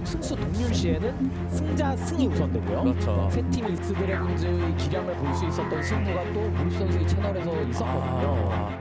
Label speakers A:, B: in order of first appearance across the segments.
A: 승수 동률 시에는 승자 승이 우선되고요.
B: 그렇죠.
A: 세 팀 이스트 드래곤즈의 기량을 볼 수 있었던 승부가 또 무르시 선수의 채널에서 있었거든요.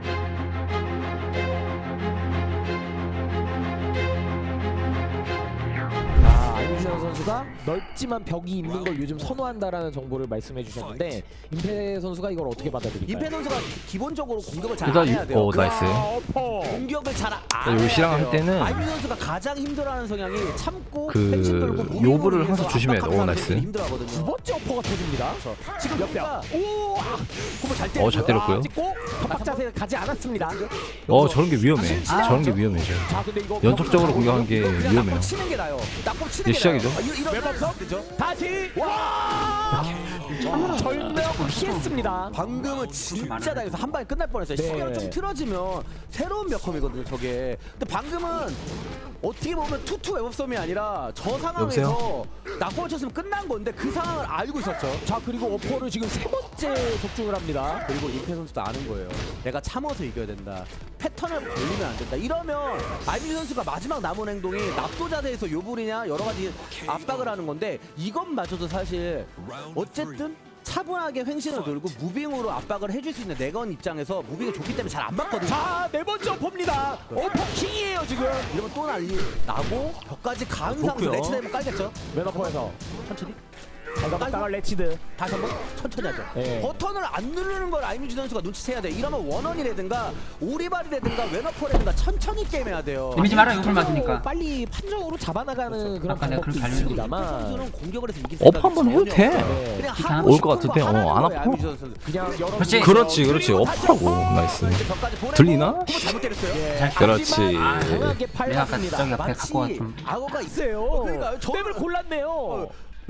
A: 안유준 선수가 넓지만 벽이 있는 걸 요즘 선호한다라는 정보를 말씀해 주셨는데 임페 선수가 이걸 어떻게 받아들일까요?
B: 임페 선수가 기본적으로 공격을 잘
C: 일단
B: 안 해야 돼요.
C: 나이스.
B: 공격을 잘 안
C: 요
B: 해야
C: 시랑 할
B: 돼요.
C: 때는
B: 안유준 선수가 가장 힘들어하는 성향이 참고
C: 그
B: 펜싱 돌고 무빙으로
C: 요브를
B: 인해서
C: 항상 조심해야 돼.
B: 압박하는
C: 나이스.
B: 사람들이
A: 두
B: 힘들어하거든요.
A: 번째 어퍼가 터집니다.
B: 지금
A: 몇 대?
B: 여기가 공을 잘 때렸고요.
C: 잘 때렸고요.
A: 찍고 협박 자세 가지 않았습니다.
C: 저런 게 위험해. 저런 게 위험해.
A: 자, 근데 이거
C: 연속적으로 공격한 게
B: 그냥
C: 위험해요.
B: 낙법 치는 게 나요. 낙법 치는
C: 이제
B: 게
C: 시작이죠.
B: 나요. 이런
A: 웹업석?
B: 되죠.
A: 다시 와! 절벽 피했습니다.
B: 방금은 진짜 나여서 한 방에 끝날 뻔했어요.
A: 네.
B: 시간이 좀 틀어지면 새로운 몇컴이거든요, 저게. 근데 방금은 어떻게 보면 투투 웹업섬이 아니라 저 상황에서 낙법을 쳤으면 끝난 건데 그 상황을 알고 있었죠.
A: 자, 그리고 어퍼를 지금 세 번째 적중을 합니다.
B: 그리고 임페 선수도 아는 거예요. 내가 참아서 이겨야 된다. 패턴을 걸리면 안 된다. 이러면 아이비 선수가 마지막 남은 행동이 납도 자세에서 요불이냐 여러 가지 압박을 하는 건데 이것마저도 사실 어쨌든 차분하게 횡신을 돌고 무빙으로 압박을 해줄 수 있는 내건 입장에서 무빙이 좋기 때문에 잘 안 맞거든요.
A: 자, 네 번째 어퍼입니다. 어퍼 킹이에요, 지금.
B: 이러면 또 난리 나고 벽까지 가은 상황에서 레치 되면 깔겠죠.
A: 맨어퍼에서
B: 천천히.
A: 잘 가봤다가 레치드.
B: 다시 한번 천천히 하죠.
A: 네.
B: 버튼을 안 누르는 걸 아이뮤지 선수가 눈치채야 돼. 이러면 원원이라든가 오리발이라든가 왼어퍼라든가 천천히 게임해야 돼요.
D: 재미지 마라 욕을 맞으니까.
A: 빨리 판정으로 잡아나가는 그런
D: 아까 내가
A: 방법도
D: 그렇게
A: 있습니다만
B: 선수는 공격을 해서 이길
C: 업
B: 생각이
C: 한번 해도
B: 전혀
C: 돼.
B: 없어요.
A: 네.
B: 그냥
D: 괜찮아?
B: 하고
C: 올
B: 싶은
C: 것 같은데,
B: 거 하는
C: 안
B: 거예요,
C: 아파?
B: 아이뮤지 선수.
A: 그냥 여러
D: 그렇지.
C: 그렇지. 어퍼라고. 나이스.
B: 벽까지 보내고
C: 들리나?
B: 한번 잘못 때렸어요.
A: 예.
C: 그렇지.
A: 하지만 강하게
D: 내가 아까
A: 팔았습니다.
D: 저기 옆에
B: 마치
D: 갖고 와 좀.
B: 악어가 있어요.
A: 있어요.
B: 그러니까요.
A: 맵을 골랐네요.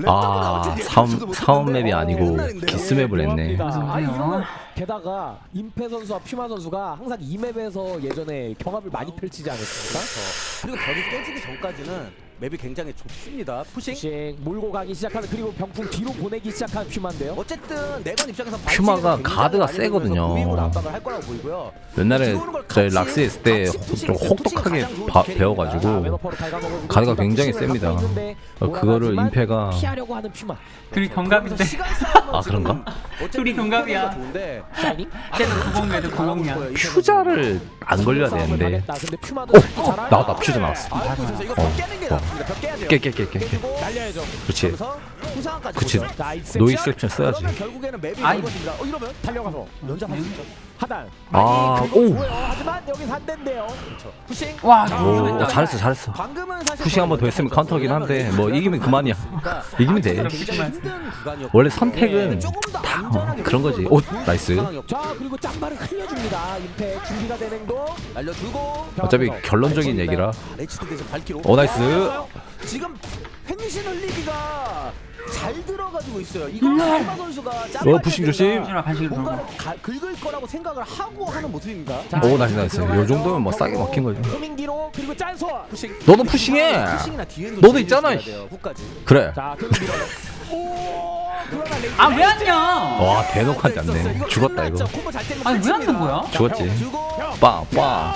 C: 사원 맵이 아니고 기스맵을 했네.
A: 아,
D: 그래요?
A: 이런 게다가 임페 선수와 퓨마 선수가 항상 이 맵에서 예전에 경합을 많이 펼치지 않았습니까?
B: 그리고 벽이 깨지기 전까지는 맵이 굉장히 좁습니다. 푸싱.
A: 씩 몰고 가기 시작하는 그리고 병풍 뒤로 보내기 시작한 퓨마인데요.
B: 어쨌든 내건 입장에서
C: 퓨마가 가드가 세거든요.
B: 무빙으로 압박을 할 거라고 보이고요.
C: 옛날에 저희 락스 했을 때 좀 혹독하게 배워가지고 가드가 굉장히 셉니다. 그거를 임페가
A: 피하려고 하는 퓨마.
D: 둘이 동갑인데.
C: 아, 그런가?
D: 둘이 동갑이야.
A: 샤이닝?
D: 쟤는 90매도 90이야.
C: 퓨자를 안 걸려야 되는데.
A: 근데 퓨마도 잘하요.
C: 나왔다. 퓨자 나왔어.
B: 알고 있어서 이거 벽 깨는 게 낫습니다. 벽 깨야 돼요.
C: 깨.
A: 날려야죠.
C: 그렇지.
B: 그래서 후상까지
C: 그치.
B: 보죠.
A: 자,
C: 노 익셉션 써야지.
B: 그러면 결국에는 맵이
D: 아이.
B: 넓어집니다. 이러면
A: 달려가서
B: 연장할 수 있죠.
A: 하단.
C: 아,
A: 많이 긁어
C: 오.
A: 줘요. 하지만 여기서 안 된대요.
B: 그렇죠. 푸싱.
D: 와,
C: 오, 잘했어.
B: 방금은 사실
C: 푸싱 한 번 더 했으면 카운터긴 한데 뭐 이기면 그만이야. 이기면 돼.
B: 굉장히 힘든 구간이었고
C: 원래 선택은
B: 조금 더
C: 다
B: 안전하게
C: 그런 거지.
B: 보여줄
C: 오,
B: 수 있는
C: 나이스.
B: 상황이었고.
A: 자, 그리고 짬바를 흘려줍니다. 임페 준비가 된 행동.
B: 날려주고
C: 어차피 결론적인 얘기라.
B: 레치드 대신 발키로.
C: 오, 나이스.
B: 지금 횡신 흘리기가 잘 들어가지고 있어요. 이거 할마 선수가 짬바를
C: 부싱 조심.
D: 반식으로
B: 뭔가를 긁을 거라고 생각을 하고 하는 모습입니다.
C: 오, 나이스. 요 정도면 뭐 싸게 먹힌 거지.
A: 호민기로 그리고 짠소.
B: 푸싱.
C: 너도 푸싱해.
B: 푸싱이나 뒤에도
C: 너도 있잖아.
B: 후까지.
C: 그래.
A: 자, 계속 밀어요. 오, 그러나 레이지.
D: 아, 왜 안 냐?
C: 와, 대놓고 하지 않네. 죽었다 이거.
D: 아니, 왜 안 는 거야?
C: 죽었지.
B: 주고
C: 빵.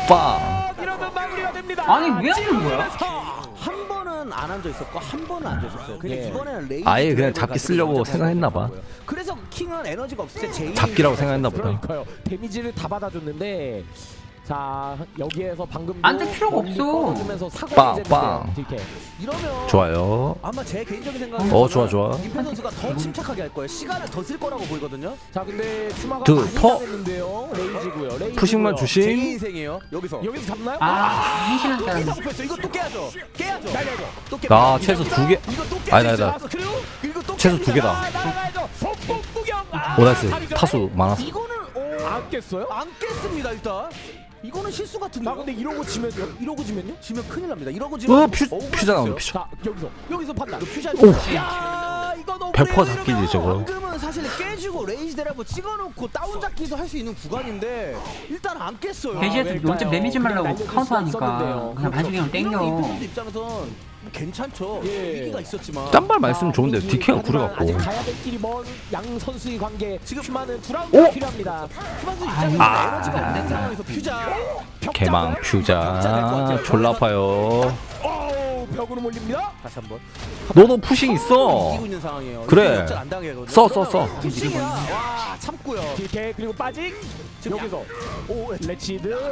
A: 이러면 마무리가 됩니다.
D: 아니, 왜 안 는 거야?
B: 한 번은 안 앉아 있었고 한 번은 앉아 있었어요. 근데
A: 예.
B: 이번에는 레이지
C: 아예 그냥
B: 드라이브를
C: 잡기
B: 가지고
C: 쓰려고
B: 먼저
C: 생각했나 봐.
B: 그래서 킹은 에너지가 없을 때 제일
C: 잡기라고 생각했나 보다.
A: 그러니까요. 데미지를 다 받아줬는데 자, 여기에서 방금
D: 안될 필요가 없어.
A: 주면서 사고
C: 빵.
B: 이러면
C: 좋아요.
B: 아마 제 개인적인 생각은
C: 좋아.
B: 임페 선수가 더 침착하게 할 거예요. 시간을 더 쓸 거라고 보이거든요.
A: 자, 근데 퓨마가
C: 두,
A: 많이
C: 퍼.
A: 당했는데요. 레이지고요.
C: 푸싱만
B: 제
C: 주심.
B: 인생이에요. 여기서
A: 잡나요?
D: 아, 횡신한 사람.
B: 여기서 뺐어. 이거 또 깨야죠.
A: 날려야죠.
B: 또 깨.
C: 나 최소 2개.
B: 이거 또 깨.
C: 아니다.
B: 그리고 또
C: 최소
B: 깹니다.
C: 2개다.
A: 나가야죠. 폭풍 구경.
C: 오, 나이스. 타수 많았어.
B: 이거는
A: 안 깼어요?
B: 안 깼습니다 일단. 이거는 실수 같은데.
A: 나 근데 이러고 지면요? 이러고 지면요?
B: 지면 큰일 납니다. 이러고 지면
C: 퓨자 나오네, 퓨자.
A: 자, 여기서 판단.
B: 퓨자.
C: 오.
B: 야, 이거 너무
C: 100% 잡기지, 저거.
B: 방금은 사실 깨지고 레이지 대라고 찍어놓고 다운 잡기도 할 수 있는 구간인데 일단 안 깼어요.
D: 돼지에서
A: 왜일까요?
D: 먼저 매미지 말라고
A: 날려줄 수가
D: 카운터하니까
A: 있었는데요.
D: 그냥 반식으로
B: 이런 임페
D: 땡겨.
B: 선수 입장에선 괜찮죠.
A: 예.
B: 위기가 있었지만.
C: 딴말 말씀 좋은데
A: 여기
C: DK가
A: 하지만
C: 구려갖고.
A: 아직 가야 될 길이 먼 양 선수의 관계.
B: 지금
A: 퓨마는 두
C: 오!
A: 라운드가 필요합니다.
B: 퓨마스 입장에서
C: 아.
B: 에너지가 없는 상황에서 퓨자.
C: 개망 퓨자 졸라 아파요.
A: 오, 벽으로 몰립니다.
B: 다시 한번.
C: 너도 푸싱 있어.
B: 이기고 있는 상황이에요.
C: 그래.
B: 역전 안 당하거든요.
C: 써.
B: 푸싱이야. 와 참고요.
A: DK 그리고 빠직. 여기서 오 레치드.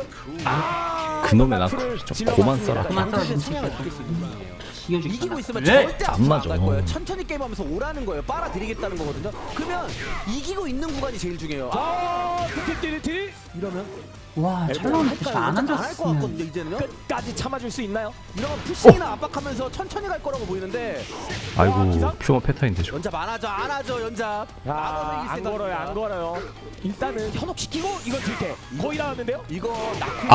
C: 그놈의
A: 앞을
C: 좀
A: 질러봤습니다.
C: 고만 써라.
D: 그만 써라,
B: 양쪽의
D: 진짜.
B: 성향을 느낄 수 있는 분이에요.
D: 이겨주겠다.
B: 이기고 있으면
D: 네.
B: 절대
C: 안
B: 앞으로
C: 맞아.
B: 갈 거예요. 천천히 게임하면서 오라는 거예요. 빨아들이겠다는 거거든요. 그러면 이기고 있는 구간이 제일 중요해요.
A: 띠띠띠띠
B: 이러면
D: 와, 철로는 진짜 안
B: 안할 것
D: 앉았으면.
B: 같거든요. 이제는요.
A: 끝까지 참아줄 수 있나요?
B: 이러면 푸싱이나 압박하면서 천천히 갈 거라고 보이는데
C: 아이고 퓨어 패턴인데 저.
B: 연잡 안 하죠. 안 하죠. 연잡.
A: 안 걸어요, 안 걸어요. 일단은 현혹시키고 이건 들게 거의 나왔는데요.
B: 이거 낙후.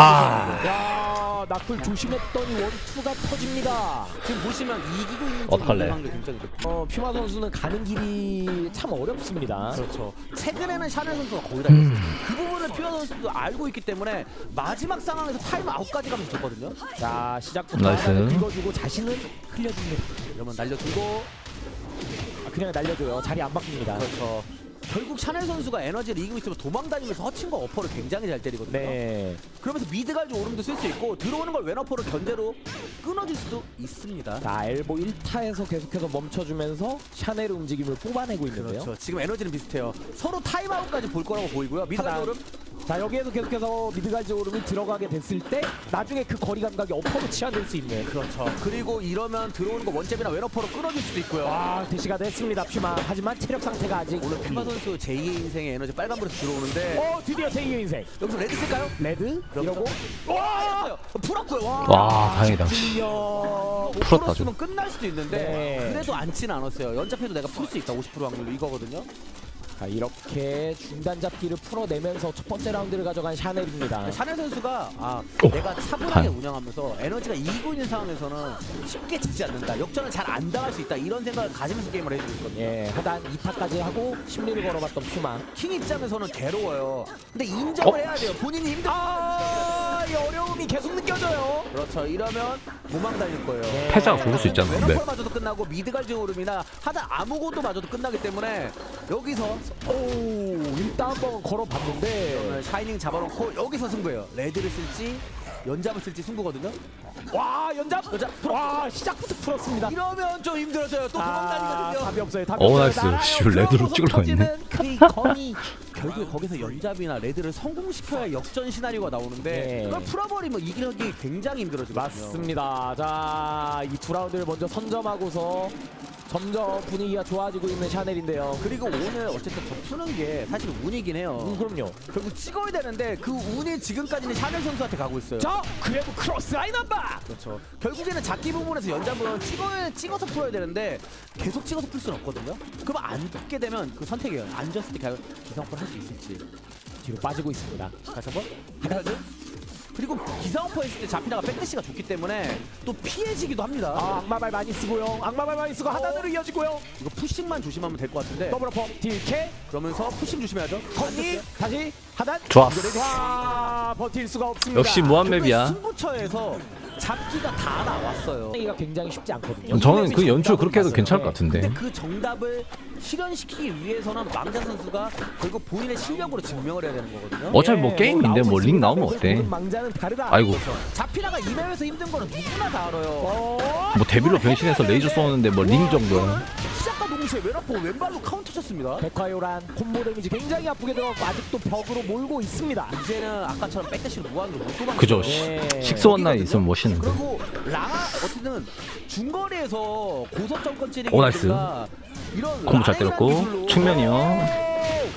A: 야, 낙풀 조심했더니 원투가 터집니다.
B: 지금 보시면 이기고 있는
C: 어떡할래?
B: 확률 굉장히 높아요.
A: 퓨마 선수는 가는 길이 참 어렵습니다.
B: 그렇죠. 최근에는 샤넬 선수가 거의 다 이겼어요. 그 부분을 퓨어 선수도 알고 있기 때문에 마지막 상황에서 타임 아웃까지 가면서 졌거든요.
A: 자, 시작부터
C: 나이스.
A: 하나를 긁어주고 자신은 흘려줍니다.
B: 이러면 날려주고
A: 그냥 날려줘요. 자리 안 바뀝니다.
B: 그렇죠. 결국 샤넬 선수가 에너지를 이기고 있으면 도망다니면서 허칭과 어퍼를 굉장히 잘 때리거든요.
A: 네.
B: 그러면서 미드갈지 오름도 쓸 수 있고 들어오는 걸 왼어퍼로 견제로 끊어질 수도 있습니다.
A: 자, 엘보 1타에서 계속해서 멈춰주면서 샤넬의 움직임을 뽑아내고 있는데요.
B: 그렇죠. 지금 에너지는 비슷해요. 서로 타임아웃까지 볼 거라고 보이고요. 미드갈지
A: 하단.
B: 오름
A: 자, 여기에서 계속해서 미드갈지 오름이 들어가게 됐을 때 나중에 그 거리 감각이 어퍼로 치환될 수 있는.
B: 그렇죠. 그리고 이러면 들어오는 거 원잽이나 왼어퍼로 끊어질 수도 있고요.
A: 와, 대시가 됐습니다, 퓨마. 하지만 체력 상태가 아직.
B: 오늘 퓨마 선수 제2의 인생의 에너지 빨간불에서 들어오는데
A: 드디어 제2의 인생.
B: 여기서 레드 쓸까요?
A: 레드? 이러고.
B: 와! 풀었고요.
C: 와 다행이다. 풀었다,
B: 풀었으면 끝날 수도 있는데
A: 네.
B: 그래도 않지는 않았어요. 연잡해도 내가 풀 수 있다. 50% 확률로 이거거든요.
A: 자, 이렇게 중단 잡기를 풀어내면서 첫 번째 라운드를 가져간 샤넬입니다.
B: 샤넬 선수가
C: 오,
B: 내가 차분하게
C: 다행.
B: 운영하면서 에너지가 이기고 있는 상황에서는 쉽게 지지 않는다. 역전을 잘 안 당할 수 있다. 이런 생각을 가지면서 게임을 해주고 있거든요.
A: 예, 하단 2타까지 하고 심리를 걸어봤던 퓨마.
B: 킹 입장에서는 괴로워요. 근데 인정을 해야 돼요. 본인이 힘들.
A: 이 어려움이 계속 느껴져요.
B: 그렇죠. 이러면 도망 다닐 거예요.
C: 패자가 죽을 수 있잖아. 근데
B: 왼어퍼마저도 끝나고 미드갈지 오름이나 하단 아무것도 마저도 끝나기 때문에 여기서
A: 일단 한번 걸어봤는데.
B: 오늘 샤이닝 잡아놓고 여기서 승부예요. 레드를 쓸지 연잡을 쓸지 승부거든요.
A: 와, 연잡. 와, 시작부터 풀었습니다.
B: 이러면 좀 힘들어져요. 또 도망 다니거든요.
A: 답이 없어요. 답이 없어요.
C: 나이스.
A: 날아요.
C: 씨, 레드로 찍으려고 했네.
B: 그 검이 결국에 거기서 연잡이나 레드를 성공시켜야 역전 시나리오가 나오는데
A: 네.
B: 그걸 풀어버리면 이기기 굉장히 힘들어지거든요.
A: 맞습니다. 자, 이 두 라운드를 먼저 선점하고서 점점 분위기가 좋아지고 있는 샤넬인데요.
B: 그리고 오늘 어쨌든 더 푸는 게 사실 운이긴 해요.
A: 그럼요.
B: 결국 찍어야 되는데 그 운이 지금까지는 샤넬 선수한테 가고 있어요.
A: 자, 그래도 크로스 라인 한 방.
B: 그렇죠. 결국에는 잡기 부분에서 연잡은 찍어서 풀어야 되는데 계속 찍어서 풀 수는 없거든요. 그럼 안 찍게 되면 그 선택이에요. 안 졌을 때 과연 기상업을 할 수 있을지.
A: 뒤로 빠지고 있습니다.
B: 다시 한번. 하나드. 그리고 기상업을 했을 때 잡히다가 백대시가 좋기 때문에 또 피해지기도 합니다.
A: 악마발 많이 쓰고요. 악마발 많이 쓰고 하단으로 이어지고요.
B: 이거 푸싱만 조심하면 될 것 같은데.
A: 더블 어퍼 딜캐
B: 그러면서 푸싱 조심해야죠.
A: 건니 다시 하단.
C: 좋았어.
A: 와, 버틸 수가 없습니다.
C: 역시 무한맵이야.
B: 승부처에서 잡기가 다 나왔어요.
A: 이가 굉장히 쉽지 않거든요.
C: 저는 그 연출 그렇게 해도 괜찮을 것
B: 근데
C: 같은데.
B: 그 정답을 실현시키기 위해서는 망자 선수가 결국 본인의 실력으로 증명을 해야 되는 거거든요.
C: 어차피 뭐 게임인데 뭐 링 나오면 어때?
A: 망자는 다르다.
C: 아이고
B: 자피나가 이 맵에서 힘든 거는 누구나 다 알아요.
C: 뭐 데빌로 변신해서 레이저 쏘는데 뭐 링 정도야.
B: 시작과 동시에 왼어퍼 왼발로 카운터 쳤습니다.
A: 백화요란 콤보 데미지 굉장히 아프게 들어가고 아직도 벽으로 몰고 있습니다.
B: 이제는 아까처럼 백대시로 무한으로 못 도망가요.
C: 그죠.
A: 예.
C: 식스원라인 있으면 멋있는데.
B: 그리고 랑아 어쨌든 중거리에서 고속점권 찌르기
C: 오, 나이스.
B: 이런
C: 콤보 잘
B: 라인이라는
C: 때렸고
B: 기술로
C: 측면이요.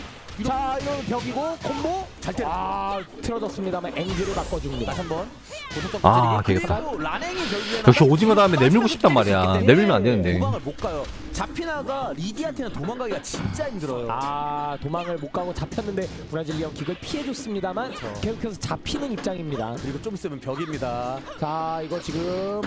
A: 자, 이건 벽이고 콤보
B: 잘 때려.
A: 틀어졌습니다만 앵글을 바꿔줍니다.
B: 다시 한번 고속점권
C: 아,
B: 찌르기.
C: 되겠다.
B: 그리고 라냉이 결국에는
C: 역시 오징어 다음에 내밀고 싶단 말이야. 내밀면 안 되는데.
B: 도망을 못 가요. 자피나가 리디한테는 도망가기가 진짜 힘들어요.
A: 도망을 못 가고 잡혔는데 브라질리언 킥을 피해줬습니다만 계속해서 잡히는 입장입니다.
B: 그리고 좀 있으면 벽입니다.
A: 자, 이거 지금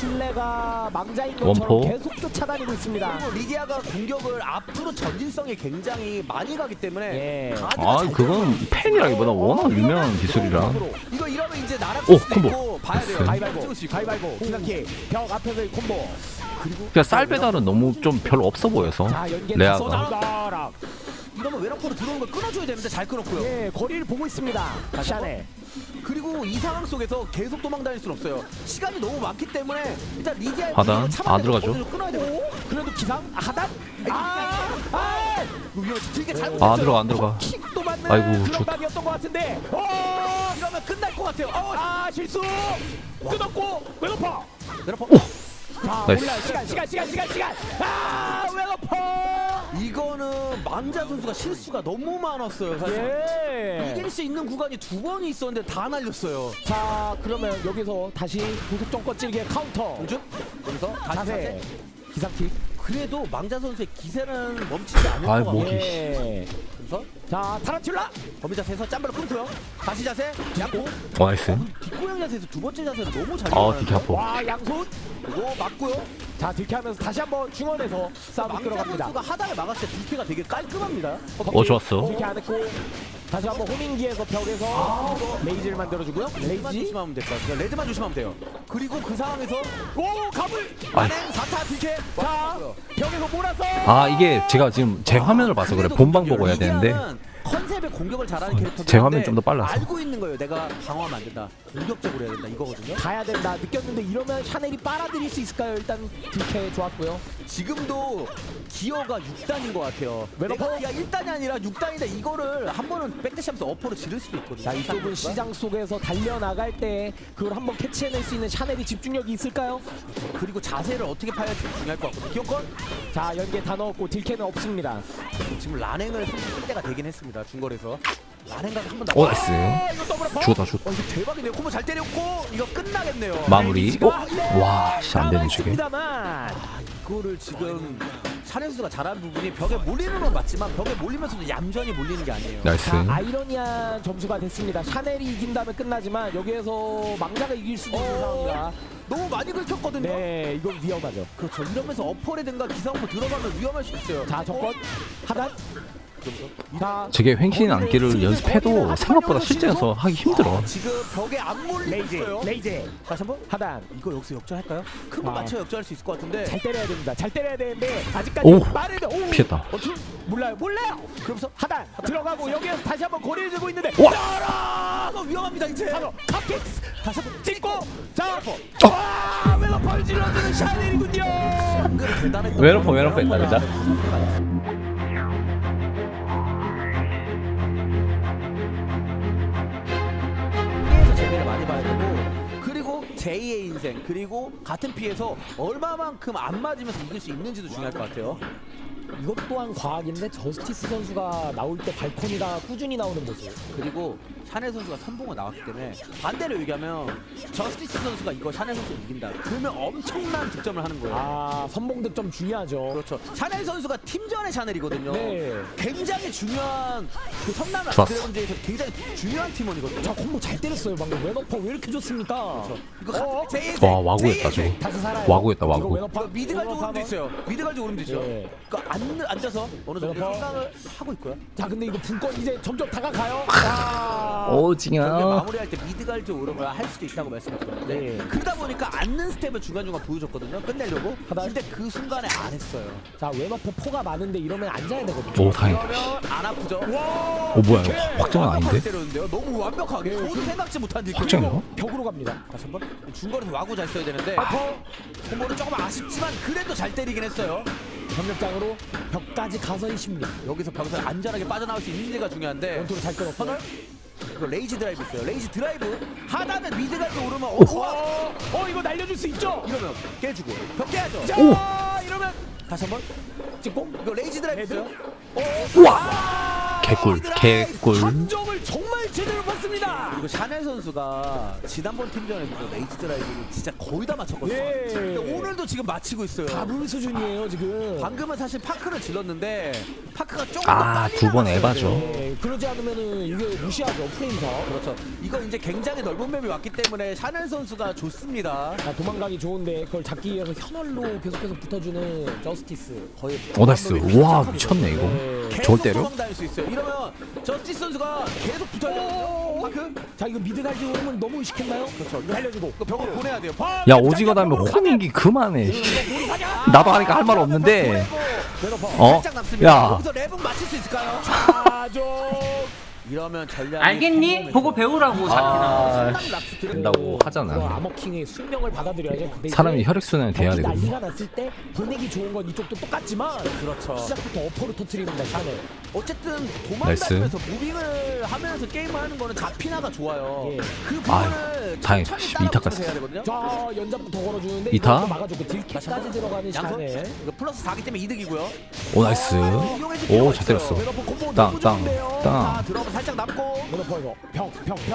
A: 술래가 망자인 것처럼
C: 원포.
A: 계속 쫓아다니고 있습니다.
B: 그리고 리디아가 공격을 앞으로 전진성이 굉장히 많이 가기 때문에
A: 예.
B: 가드가
C: 아
B: 잘
C: 그건 팬이라기보다 워낙 유명한 기술이라.
B: 이거 이러면 이제 나락
C: 오,
B: 수도
C: 콤보.
B: 있고 봐야 돼요.
C: 됐어요.
A: 가위바위보,
B: 찍을 수 있고.
A: 가위바위보, 기상킥, 벽 앞에서의 콤보.
B: 그리고
C: 그냥 쌀 배달은 너무 좀 별로 없어 보여서
A: 자, 연계
C: 레아가.
A: 쏟아라.
B: 이러면 웨너포로 들어오는 걸 끊어줘야 되는데 잘 끊었고요.
A: 예, 거리를 보고 있습니다.
B: 다시 한
A: 샤넬.
B: 그리고 이 상황 속에서 계속 도망다닐 수는 없어요. 시간이 너무 많기 때문에 일단 리디아의
C: 하단?
B: 분위기를 참아내고
C: 들어가죠.
B: 거기서 끊어야 돼요.
A: 그래도 기상 하단.
B: 이거 되게 잘못했어요.
C: 안 들어가 안 들어가.
A: 킥도 맞는
C: 아이고,
A: 그런
C: 좋-
A: 각이었던 것 같은데.
B: 이러면 끝날 것 같아요.
A: 실수. 끊었고 웨너퍼.
B: 웨너포.
A: 자,
C: 나이스.
A: 올라 시간. 웨너퍼.
B: 이거는 망자 선수가 실수가 너무 많았어요. 사실.
A: 예.
B: 이길 수 있는 구간이 2번이 있었는데 다 날렸어요.
A: 자, 그러면 여기서 다시 고속 정권 찌르기의 카운터.
B: 요즘 여기서 다시
A: 자세.
B: 자세.
A: 기상킥.
B: 그래도 망자 선수의 기세는 멈추지 않을
C: 아이,
B: 것
C: 뭐.
B: 같아요.
A: 예.
B: 그래서
A: 자, 타란툴라.
B: 범위 자세에서 짬바로 끊고요. 다시 자세. 양고.
C: 나이스.
B: 뒷고양 자세에서 두 번째 자세를 너무 잘
C: 디키 아파.
A: 와, 양손.
B: 그리고 맞고요.
A: 자, 딜캐하면서 다시 한번 중원에서 싸움
B: 망자
A: 끌어갑니다.
B: 선수가 하단을 막았을 때 뒷회가 되게 깔끔합니다.
C: 좋았어.
A: 딜캐 안 했고 다시 한번 호밍기에서 벽에서 레이즈를 만들어주고요.
B: 레드만
A: 레이지.
B: 조심하면 될 것 같아요. 레드만 조심하면 돼요. 그리고 그 상황에서
A: 오, 가불.
B: 만행 4타 뒷회.
A: 자, 벽에서 몰아서.
C: 아 이게 제가 지금 제 화면을 봐서 그래. 본방 보고 해야 되는데
B: 컨셉의 공격을 잘하는 캐릭터.
C: 제 화면이 좀더 빨라서.
B: 알고 있는 거예요. 내가 방어하면 안 된다. 공격적으로 해야 된다. 이거거든요.
A: 가야 된다 느꼈는데 이러면 샤넬이 빨아들일 수 있을까요? 일단 딜캐 좋았고요.
B: 지금도 기어가 6단인 것 같아요.
A: 웨너퍼?
B: 내가 1단이 아니라 6단인데 이거를 한 번은 백대시하면서 어퍼로 지를 수도 있거든요.
A: 자, 이쪽은
B: 샤넬 선수가.
A: 시장 속에서 달려나갈 때 그걸 한번 캐치해낼 수 있는 샤넬이 집중력이 있을까요?
B: 그리고 자세를 어떻게 파야 할지 중요할 것 같거든요. 기어권
A: 자, 연계 다 넣었고 딜캐는 없습니다.
B: 지금 라냉을 쓸 때가 되긴 했습니다. 중거리에서 라냉가 한번
C: 오 나이스.
A: 이거 더블어퍼.
C: 죽었다 죽었다.
B: 이거 대박이네요. 콤보 잘 때렸고 이거 끝나겠네요.
C: 마무리. 와 진짜 안 되네 저게.
A: 있습니다만.
B: 이거를 지금 샤넬 선수가 잘하는 부분이 벽에 몰리는 건 맞지만 벽에 몰리면서도 얌전히 몰리는 게 아니에요.
C: 나이스.
A: 자, 아이러니한 점수가 됐습니다. 샤넬이 이긴다면 끝나지만 여기에서 망자가 이길 수도 있는 상황이라.
B: 너무 많이 긁혔거든요.
A: 네, 이건 위험하죠.
B: 그렇죠. 이러면서 어퍼라든가 기상어퍼 들어가면 위험할 수 있어요.
A: 자, 정권 하단. 자,
C: 저게 횡신 안기를 연습해도 생각보다 실전에서 하기 힘들어.
B: 지금 벽에 안 몰리고
A: 레이즈,
B: 있어요.
A: 레이즈.
B: 다시 한번
A: 하단.
B: 이거 여기서 역전할까요? 큰 거
A: 아.
B: 맞춰 역전할 수 있을 것 같은데.
A: 잘 때려야 됩니다. 잘 때려야 되는데 아직까지
C: 오,
A: 빠르게. 오,
C: 피했다.
A: 몰라요.
B: 그러면서
A: 하단 들어가고 여기에서 다시 한번 거리를 들고 있는데.
B: 아, 이거 위험합니다 이제.
A: 바로 컵킥스 다시 한번 찍고. 자,
C: 어.
A: 와, 웨너펄 질러주는 샤넬이군요.
B: 대단했다.
C: 웨너퍼 했다 진짜.
B: 피해서 재미를 많이 봐야 되고 그리고 제2의 인생 그리고 같은 피해서 얼마만큼 안 맞으면서 이길 수 있는지도 중요할 것 같아요.
A: 이것 또한 과학인데 저스티스 선수가 나올 때 발코니가 꾸준히 나오는 모습.
B: 그리고 샤넬 선수가 선봉을 나왔기 때문에 반대로 얘기하면 저스티스 선수가 이거 샤넬 선수를 이긴다. 그러면 엄청난 득점을 하는 거예요.
A: 아, 선봉 득점 중요하죠.
B: 그렇죠. 샤넬 선수가 팀전의 샤넬이거든요.
A: 네.
B: 굉장히 중요한 그 선남의
C: 좋았어.
B: 드래곤즈에서 굉장히 중요한 팀원이거든요.
A: 자, 콤보 잘 때렸어요 방금. 웨너퍼 왜 이렇게 좋습니까?
B: 이거
C: 와 와구했다 저거.
A: 다시 살아요.
C: 와구했다
A: 이거
C: 와구.
A: 웨너퍼
B: 미드 갈지 오름도 있어요. 미드 갈지 오름도 있죠.
A: 예.
B: 그러니까 앉아서 어느 정도
A: 웨너퍼.
B: 생각을 하고 있고요.
A: 자, 근데 이거 분권 이제 점점 다가가요. 자,
B: 경기
C: 오징어.
B: 마무리할 때 미드 갈지 오름을 할 수도 있다고 말씀드렸는데
A: 네.
B: 그러다 보니까 앉는 스텝을 중간중간 보여줬거든요. 끝내려고.
A: 하다.
B: 근데 그 순간에 안 했어요.
A: 자, 웨너퍼 포가 많은데 이러면 앉아야 되거든요.
C: 오 다행이다.
B: 그러면 안 아프죠?
C: 오 뭐야 이거 확정은 아닌데?
B: 완벽하게 때렸는데요. 너무 완벽하게. 저도 생각지 못한 딜.
C: 확정이요?
A: 벽으로 갑니다.
B: 다시 한번 중거리에서 와구 잘 써야 되는데 콤보는 조금 아쉽지만 그래도 잘 때리긴 했어요.
A: 전력장으로 벽까지 가서 있습니다.
B: 여기서 벽에서 안전하게 빠져나올 수 있는지가 중요한데
A: 원투로 잘 끊었고.
B: 터널? 이거 레이지 드라이브 있어요. 레이지 드라이브 하다는 미드까지 오르면
A: 이거 날려줄 수 있죠?
B: 이러면 깨주고 벽 깨야죠.
A: 자, 이러면
B: 다시 한번
A: 찍고.
B: 이거 레이지 드라이브
A: 레드?
B: 있어요.
C: 개꿀 개꿀.
A: 감정을 정말 제대로 봤습니다.
B: 그리고 샤넬 선수가 지난번 팀전에서 레이지 드라이브를 진짜 거의 다 맞췄거든요.
A: 예.
B: 근데 오늘도 지금 맞히고 있어요.
A: 가불 수준이에요 지금.
B: 방금은 사실 파크를 질렀는데 파크가 조금 더
C: 아
B: 빨리
C: 두 번
B: 나갔어요.
C: 에바죠.
A: 네, 그러지 않으면은 이게 무시하죠 프레임서.
B: 그렇죠. 이거 이제 굉장히 넓은 맵이 왔기 때문에 샤넬 선수가 좋습니다.
A: 자, 도망가기 좋은데 그걸 잡기 위해서 현월로 계속해서 붙어주는 저스티스.
B: 거의
C: 오 나이스. 와 미쳤네 이거.
A: 네.
C: 저걸
B: 계속
C: 때려?
B: 도망다닐 수 있어요. 이러면 저스티스 선수가 계속 붙어야 돼요. 파크?
A: 자, 이거 미드 갈지 오르면 너무 의식했나요?
B: 그렇죠.
A: 날려주고.
B: 그 벽으로 보내야 돼요.
C: 야 오지거 다음에 호밍기 그만해. 나도 하니까 할 말 없는데
A: 웨너퍼.
C: 어?
B: 살짝 남습니다.
C: 야.
B: 여기서 랩은 맞출 수 있을까요?
A: 아좀
B: 이러면 전략이
D: 알겠니? 보고 배우라고 자키나.
B: 상당히 락스 들어.
C: 된다고 하잖아.
A: 아머킹의 숙명을 받아들여야죠. 근데
C: 사람이
A: 이제
C: 혈액순환이 돼야
A: 경기
C: 되거든.
A: 난리가 났을 때 보내기 좋은 건 이쪽도 똑같지만
B: 그렇죠.
A: 시작부터 어퍼를 터트립니다. 샤넬.
B: 어쨌든
C: 나이스.
B: 도망다니면서 무빙을 하면서 게임을 하는 거는 자피나가 좋아요.
A: 예.
B: 그
C: 아유,
B: 부분을
C: 다행이다.
B: 천천히
C: 이타까지.
B: 따라붙여서 해야 되거든요.
A: 자 연장부터 걸어주는데
C: 이타?
A: 이것도 막아주고 딜캐까지 들어가는
B: 양손
A: 샤넬.
B: 이거 플러스 4기 때문에 이득이고요.
C: 오 나이스.
B: 이용해줄 필요가
C: 오 잘 때렸어.
B: 있어요.
A: 웨너퍼 콤보
C: 땅,
A: 너무
C: 땅,
A: 좋은데요.
C: 땅.
B: 자 들어가면 살짝 남고
A: 웨너퍼 이거 벽.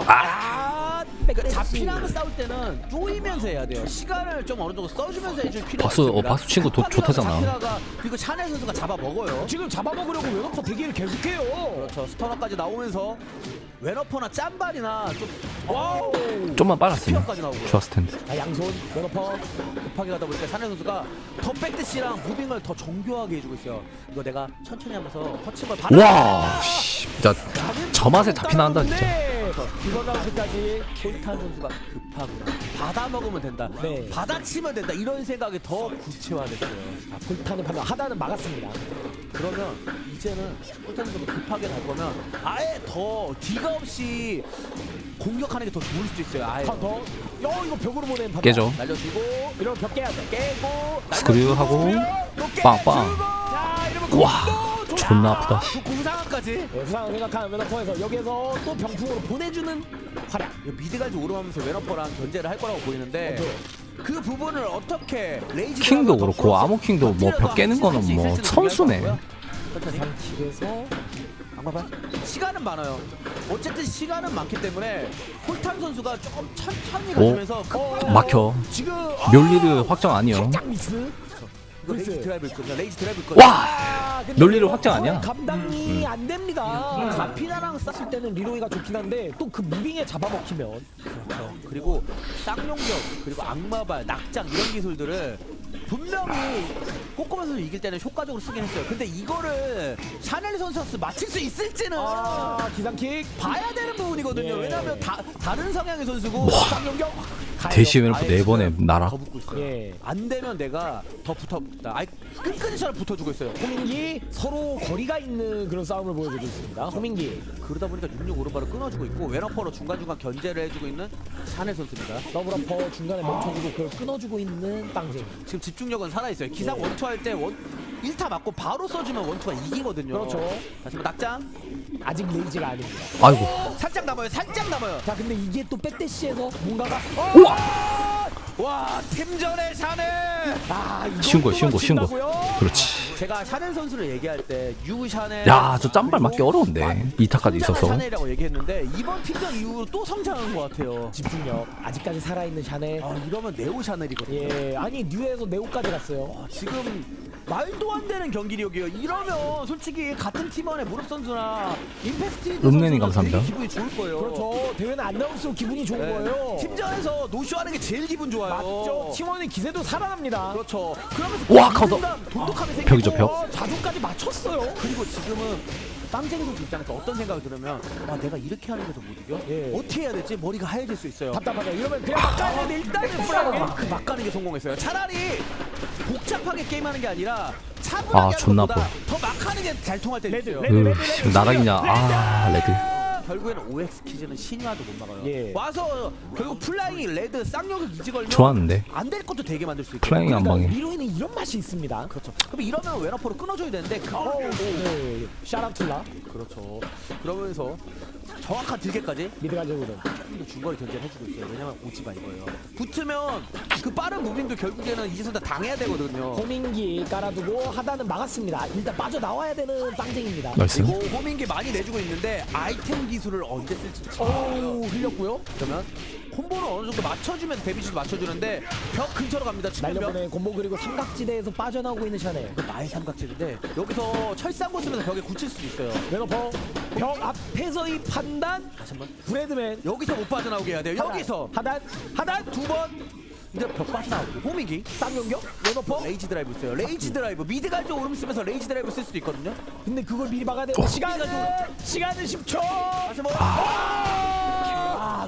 B: 그러니까 자피나가 싸울 때는 쪼이면서 해야 돼요. 시간을 좀 어느 정도 써주면서 해줄 필요가
C: 바수,
B: 있습니다.
C: 바수 친구 좋다잖아.
B: 자피나가 그리고 샤넬 선수가 잡아먹어요.
A: 지금 잡아먹으려고 웨너퍼 대기를 계속해요.
B: 그렇죠. 스터너까지 나오면서 웨너퍼나 짠발이나 좀 와우
C: 좀만 빨랐으면
B: 스피어까지 나오고요.
C: 좋았을 텐데.
A: 자 양손 웨너퍼.
B: 급하게 가다 보니까 샤넬 선수가 더 백대시랑 무빙을 더 정교하게 해주고 있어요. 이거 내가 천천히 하면서 터치를 받아.
C: 와, 씨, 진짜 저 맛에 잡히나 한다 진짜.
A: 이번 라운드까지
B: 폴탄 선수가 급하구나. 받아 먹으면 된다.
A: 네.
B: 받아치면 된다. 이런 생각이 더 구체화됐어요.
A: 자, 불타는 판단 하단은 막았습니다.
B: 그러면 이제는 폴탄 선수가 급하게 갈 거면 아예 더 뒤가 없이 공격하는 게 더 좋을 수도 있어요. 아예
A: 카운터. 이거 벽으로 보낸 판단.
C: 깨져.
B: 날려주고
A: 이런 벽 깨야 돼.
B: 깨고
C: 스크류 하고 빵빵.
A: 자 이러면
C: 와,
A: 콤보
C: 존나 아프다.
B: 구상까지.
A: 네, 부상을 생각하는 웨너퍼에서 여기에서 또 병풍으로 보내주는 활약.
B: 미드까지 오르면서 웨너퍼랑 견제를 할 거라고 보이는데 그 부분을 어떻게 레이지
C: 킹도
B: 드라이버
C: 그렇고
B: 더
C: 아모킹도 뭐 벽 깨는 거는
B: 할수
C: 뭐
B: 있을지는
C: 선수네.
B: 중요할 것 같고요. 천천히.
A: 길에서
B: 악마발 시간은 많아요. 어쨌든 시간은 많기 때문에 홀탄 선수가 조금 천천히 가면서
C: 막혀.
A: 지금
C: 멸리를 확정 아니요.
A: 살짝 미스.
B: 이거 레이지
A: 글쎄.
B: 드라이브 있거든요. 레이지 드라이브 있거든요.
C: 와,
A: 근데
C: 논리를
A: 이거
C: 확정 아니야?
A: 감당이 안 됩니다.
B: 자피나랑
A: 쌌을 때는 리로이가 좋긴 한데 또 그 무빙에 잡아먹히면
B: 그렇죠. 그리고 쌍용격 그리고 악마발 낙장 이런 기술들을 분명히 꼬꼬마 선수 이길 때는 효과적으로 쓰긴 했어요. 근데 이거를 샤넬 선수 맞힐 수 있을지는
A: 기상킥
B: 봐야 되는 부분이거든요.
A: 예.
B: 왜냐하면 다른 성향의 선수고 쌍용격
C: 대시 웨너프 4번에 날아.
B: 더 붙고 있어요.
A: 예.
B: 안 되면 내가 더 붙어붙다. 아이 끈끈이처럼 붙어주고 있어요.
A: 호민기 서로 거리가 있는 그런 싸움을 보여주고 있습니다. 호민기
B: 그러다 보니까 66 오른발을 끊어주고 있고 웨너퍼로 중간중간 견제를 해주고 있는 샤넬 선수입니다.
A: 더블어퍼 중간에 멈춰주고 그걸 끊어주고 있는 땅쟁이.
B: 지금 집중력은 살아있어요. 기상
A: 예.
B: 원투 할 때 1타 맞고 바로 써주면 원투가 이기거든요.
A: 그렇죠.
B: 다시 한번 낙장.
A: 아직 레이지가 아닙니다.
C: 아이고.
B: 살짝 남아요. 살짝 남아요.
A: 자 근데 이게 또 백대시에서 뭔가가
B: 와 팀전의 샤넬.
A: 이거
C: 쉬운 거, 쉬운 거,
A: 또
C: 쉬운 거.
A: 맞춘다고요?
C: 그렇지.
B: 제가 샤넬 선수를 얘기할 때 유 샤넬.
C: 야, 저 짬발 맞기 어려운데. 2타까지 있어서.
B: 샤넬이라고 얘기했는데 이번 팀전 이후로 또 성장한 것 같아요.
A: 집중력 아직까지 살아있는 샤넬.
B: 이러면 네오 샤넬이거든요.
A: 예 아니 뉴에서 네오까지 갔어요.
B: 지금 말도 안 되는 경기력이에요. 이러면 솔직히 같은 팀원의 무릎 선수나 임페스티드
C: 룸네님
B: 선수는
C: 감사합니다.
B: 되게 기분이 좋을 거예요.
A: 그렇죠. 대회는 안 나올수록 기분이 좋은
B: 네.
A: 거예요.
B: 팀전에서 노쇼하는 게 제일 기분 좋아요.
A: 맞죠. 팀원의 기세도 살아납니다.
B: 그렇죠. 그러면서
C: 와, 카운터.
B: 돈독함이 생기고
C: 벽이죠, 벽.
A: 자존까지 맞췄어요.
B: 그리고 지금은 빵쟁이 선수 입장에서 어떤 생각이 들으면 내가 이렇게 하는 게도 못 이겨?
A: 예.
B: 어떻게 해야 될지 머리가 하얘질 수 있어요.
A: 답답하다. 이러면 그냥 막가는데 일단은 플라그.
B: 그 막가는 게 성공했어요. 차라리 복잡하게 게임하는 게 아니라 차분하게 하는
C: 존나
B: 것보다 더 막하는 게 잘 통할 때도 있어요.
C: 지금 나락이냐. 아, 레드.
B: 결국에는 OX 퀴즈는 신화도 못 막아요.
A: 예.
B: 와서 결국 플라잉 레드 쌍욕을 이지 걸면
C: 좋았는데.
B: 안 될 것도 되게 만들 수 있고.
C: 플라잉 한 방에.
A: 리로이는 이런 맛이 있습니다.
B: 그렇죠. 그럼 이러면 웨너퍼로 끊어줘야 되는데 그걸
A: 네. 샤라툴라
B: 그렇죠. 그러면서 정확한 딜계까지
A: 미드 가지고는
B: 또 중거리 견제를 해주고 있어요. 왜냐면 오지마 이거예요. 붙으면 그 빠른 무빙도 결국에는 이제선 다 당해야 되거든요.
A: 호민기 깔아두고 하단은 막았습니다. 일단 빠져나와야 되는 빵쟁입니다.
C: 나이스.
B: 그리고 호민기 많이 내주고 있는데 아이템 기술을 언제 쓸지
A: 오 흘렸고요.
B: 그러면 콤보를 어느 정도 맞춰주면서 데미지도 맞춰주는데 벽 근처로 갑니다. 측면벽.
A: 날려보내 콤보 그리고 삼각지대에서 빠져나오고 있는 샤넬.
B: 이거 나의 삼각지인데 여기서 철상고 쓰면서 벽에 굳힐 수도 있어요.
A: 웨너퍼 벽 앞에서의 판단.
B: 다시 한번
A: 브레드맨
B: 여기서 못 빠져나오게 해야 돼요. 여기서
A: 하단
B: 두 번 이제 벽 빠져나오고 호민기
A: 쌍용격 웨너퍼.
B: 레이지 드라이브 있어요. 레이지 드라이브 미드 갈줄 오름 쓰면서 레이지 드라이브 쓸 수도 있거든요.
A: 근데 그걸 미리 막아야 돼. 시간은 10초.
B: 다시 한번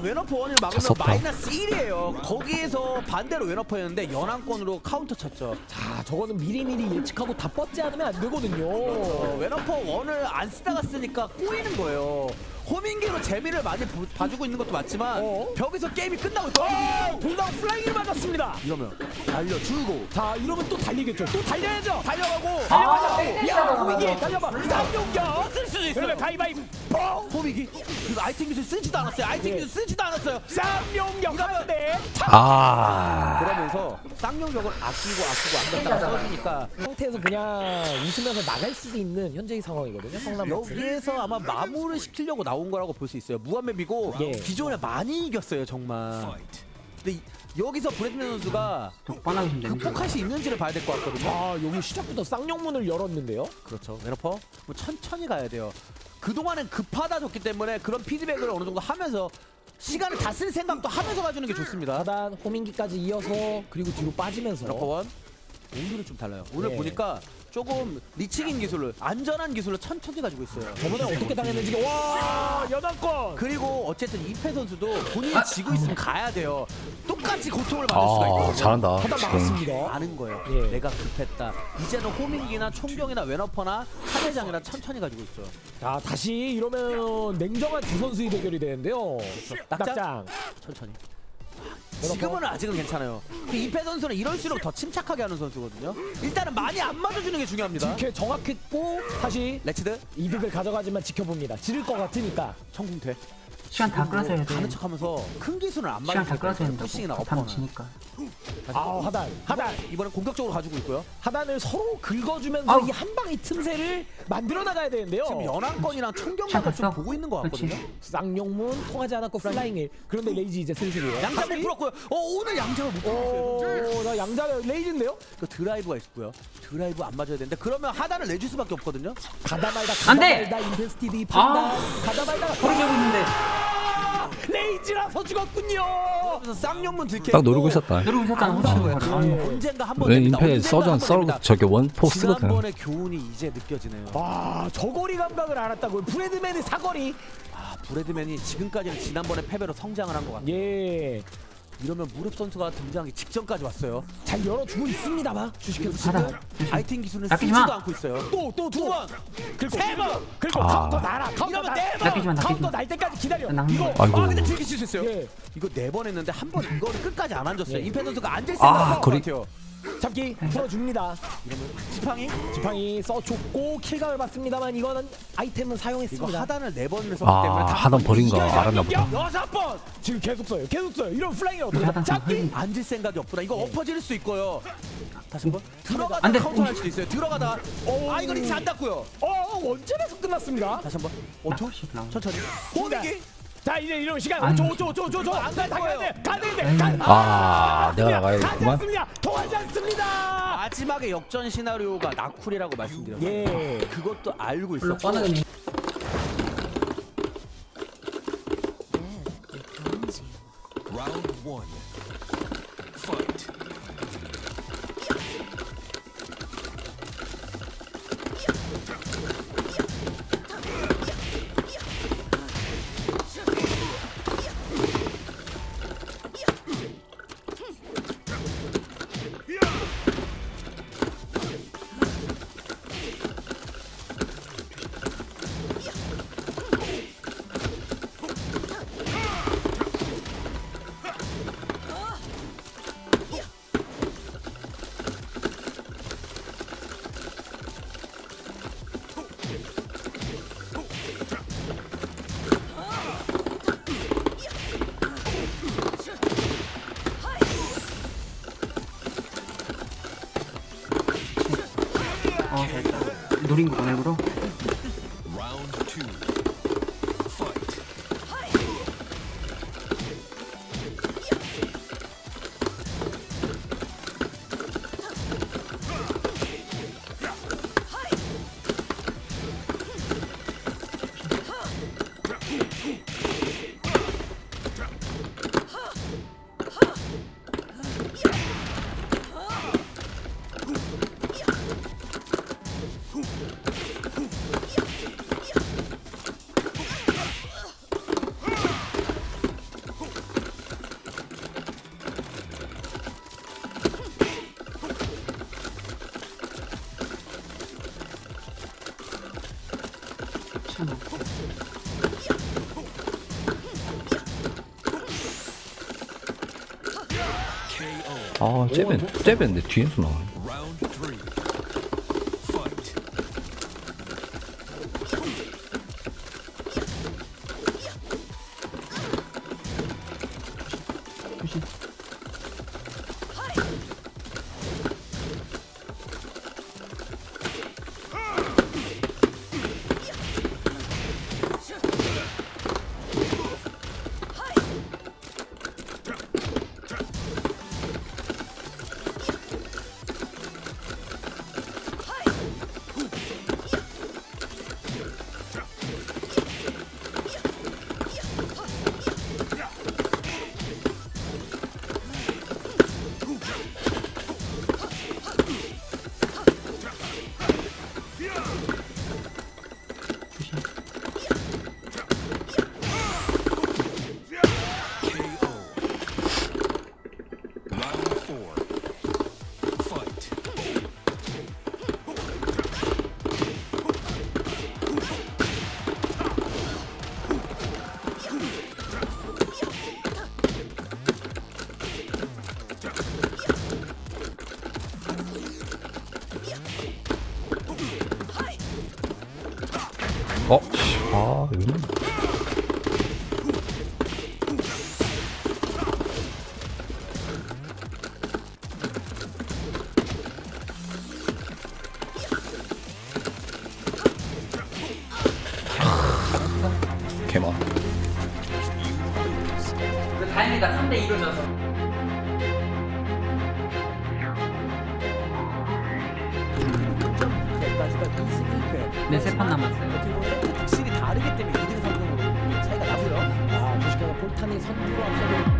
B: 웨너퍼 원을 막으면
C: 졌다.
B: 마이너스 1이에요. 거기에서 반대로 웨너퍼였는데 연안권으로 카운터 쳤죠.
A: 자, 저거는 미리미리 예측하고 다 뻗지 않으면 안 되거든요.
B: 웨너퍼 원을 안 쓰다가 쓰니까 꼬이는 거예요. 호밍기로 재미를 많이 봐주고 있는 것도 맞지만 벽에서 게임이 끝나고 있어.
A: 돌다운 플라잉을 맞았습니다.
B: 이러면 달려주고
A: 자, 이러면 또 달리겠죠. 또 달려야죠.
B: 달려가고
A: 달려가고. 야, 호밍이 달려봐. 쌍용격.
B: 쓸 수도 있어요.
A: 그러면 가위바위보.
B: 호밍이 그리고 아이템 기술 쓰지도 않았어요. 아이템 기술 쓰지도 않았어요.
A: 쌍용격 하는데.
C: 아
B: 그러면서 쌍용격을 아끼고 아꼈다가 써주니까
A: 상태에서 그냥 웃으면서 나갈 수도 있는 현재의 상황이거든요. 성남 락스.
B: 여기에서 아마 마무를 시키려고 나온 거라고 볼 수 있어요. 무한맵이고
A: 예.
B: 기존에 많이 이겼어요 정말. 근데 여기서 브래드맨 선수가
D: 뻔하게 좀 내는
B: 극복할 수 있는지를 봐야 될 것 같거든요.
A: 아, 여기 시작부터 쌍용문을 열었는데요.
B: 그렇죠. 웨너퍼 뭐 천천히 가야 돼요. 그동안은 급하다졌기 때문에 그런 피드백을 어느 정도 하면서 시간을 다 쓸 생각도 하면서 가주는 게 좋습니다.
A: 하단 호민기까지 이어서 그리고 뒤로 빠지면서
B: 웨너퍼 원 오늘은 좀 달라요. 오늘
A: 네.
B: 보니까 조금 리치긴 기술을 안전한 기술을 천천히 가지고 있어요.
A: 저번에 어떻게 당했는지 와 연합권.
B: 그리고 어쨌든 이패 선수도 본인이 지고 있으면 가야 돼요. 똑같이 고통을 받을 수가 있거든요.
C: 잘한다
A: 하단
C: 지금.
A: 막았습니다.
B: 아는 거예요.
A: 예.
B: 내가 급했다. 이제는 호밍기나 총경이나 웨너퍼나 카대장이나 천천히 가지고 있죠.
A: 자, 다시 이러면 냉정한 두 선수의 대결이 되는데요.
B: 낙장?
A: 낙장.
B: 천천히. 지금은 아직은 괜찮아요. 이패 선수는 이럴수록 더 침착하게 하는 선수거든요. 일단은 많이 안 맞아주는 게 중요합니다.
A: 이렇게 정확했고 다시
B: 레치드
A: 이득을 가져가지만 지켜봅니다. 지를 것 같으니까.
B: 청궁퇴.
D: 시간 다 끌어서 해야 돼.
B: 가는 척하면서 큰 기술은 안
D: 시간 다
B: 맞아주고
D: 끌어서 해야 된다고.
B: 푸싱이나
D: 급하면
B: 어퍼나.
D: 지니까.
A: 아, 하단.
B: 이번엔 공격적으로 가지고 있고요.
A: 하단을 서로 긁어주면서
D: 아우.
A: 이 한 방의 틈새를 만들어 나가야 되는데요.
B: 지금 연안권이랑 총경만을 좀
D: 시작했어?
B: 보고 있는 것 같거든요.
D: 그렇지.
A: 쌍용문 통하지 않았고 플라잉을. 그런데 레이지 이제 슬슬이에요.
B: 양장 못 풀었고요. 오늘 양장을 못 풀었어요.
A: 나 양자가 레이지인데요?
B: 그 드라이브가 있고요. 드라이브 안 맞아야 되는데 그러면 하단을 내줄 수밖에 없거든요.
A: 가다 말다
D: 안
A: 가다
D: 돼!
A: 말다 인베스티드 판단
D: 아.
A: 가다 말다가
D: 허리 잡고 있는데.
A: 레이지라서 죽었군요.
B: 그래서 쌍용문 들켜.
C: 딱 노리고 있었다.
D: 누르고 있었잖아.
B: 안
D: 훔치는
B: 거예요.
D: 거를.
A: 예.
B: 언젠가 한번
C: 왜
B: 됩니다.
C: 인패
B: 언젠가
C: 서전
B: 한번
C: 썰
B: 됩니다.
C: 저게 원포 쓰거든.
B: 지난번의 교훈이 이제 느껴지네요.
A: 와, 저거리 감각을 알았다고요. 브래드맨의 사거리.
B: 브래드맨이 지금까지는 지난번에 패배로 성장을 한 것 같아요.
A: 예.
B: 이러면 무릎 선수가 등장하기 직전까지 왔어요.
A: 잘 열어주고 있습니다만 주식회사
D: 하단.
A: 지금
B: 아이템 기술은
D: 낚이지
B: 쓰지도
D: 마.
B: 않고 있어요.
A: 또
B: 두 번,
A: 그리고
B: 세 번.
A: 그리고
C: 아.
A: 카운터 날아. 카운터
B: 이러면
A: 날.
B: 네 번.
D: 낚이지 마, 낚이지
A: 카운터
D: 마.
A: 날 때까지 기다려.
D: 낚는
A: 이거
D: 거야.
C: 아이고.
B: 근데 즐길 수 있어요.
A: 예.
B: 이거 4번 했는데 한 번 이거를 끝까지 안 앉았어요.
A: 예.
B: 임페 선수가 앉을 생각을 한것
C: 거리-
B: 같아요.
A: 잡기 풀어줍니다.
B: 이러면 지팡이
A: 지팡이 써줬고 킬각을 받습니다만 이거는 아이템은
B: 이거
A: 사용했습니다.
B: 하단을 4번을 썼기 때문에
C: 아
B: 다
C: 하단 버린 거
B: 이겨야
C: 알았나 보다.
B: 6번
A: 지금 계속 써요. 이런 플라잉이 어떻게
D: 하단 좀
A: 잡기?
D: 흘리.
B: 앉을 생각이 없구나. 이거 엎어질 수 있고요. 다시 한번 들어가다
D: 안 돼.
B: 카운터 할 수도 있어요. 들어가다 이거 리치 안 닿고요.
A: 원점에서 끝났습니다.
B: 다시 한번
D: 나
B: 5초
D: 혹시 나온
B: 천천히
A: 호밍이.
B: 호밍이
A: 자, 이제 이런 시간
D: 아니.
A: 5초 안 갈 거예요. 가야 되는데.
C: 내가 나가야겠구만.
A: 않습니다. 통하지 않습니다.
B: 마지막에 역전 시나리오가 나쿨이라고 말씀드렸어요.
A: 예.
B: 그것도 알고
D: 별로
B: 있었고
D: 뻔하게 내.
E: Round one. Fight.
D: 됐다. 노린 거구나 일부러.
E: Round two. Fight.
C: 아 잽인데 뒤에서 나와.
E: Round 3. Fight.
D: 조심.
E: KO. Round 4. Fight.
C: 여기는 개만.
D: 다행이다 3대2로 져서.
A: 여기까지가 2승 1패.
D: 네, 세판 남았어요.
A: 어떻게 보면 세트 특실이 다르기 때문에 2등 3등으로 차이가 나고요. 주식회사 폴탄이 선두로 앞서고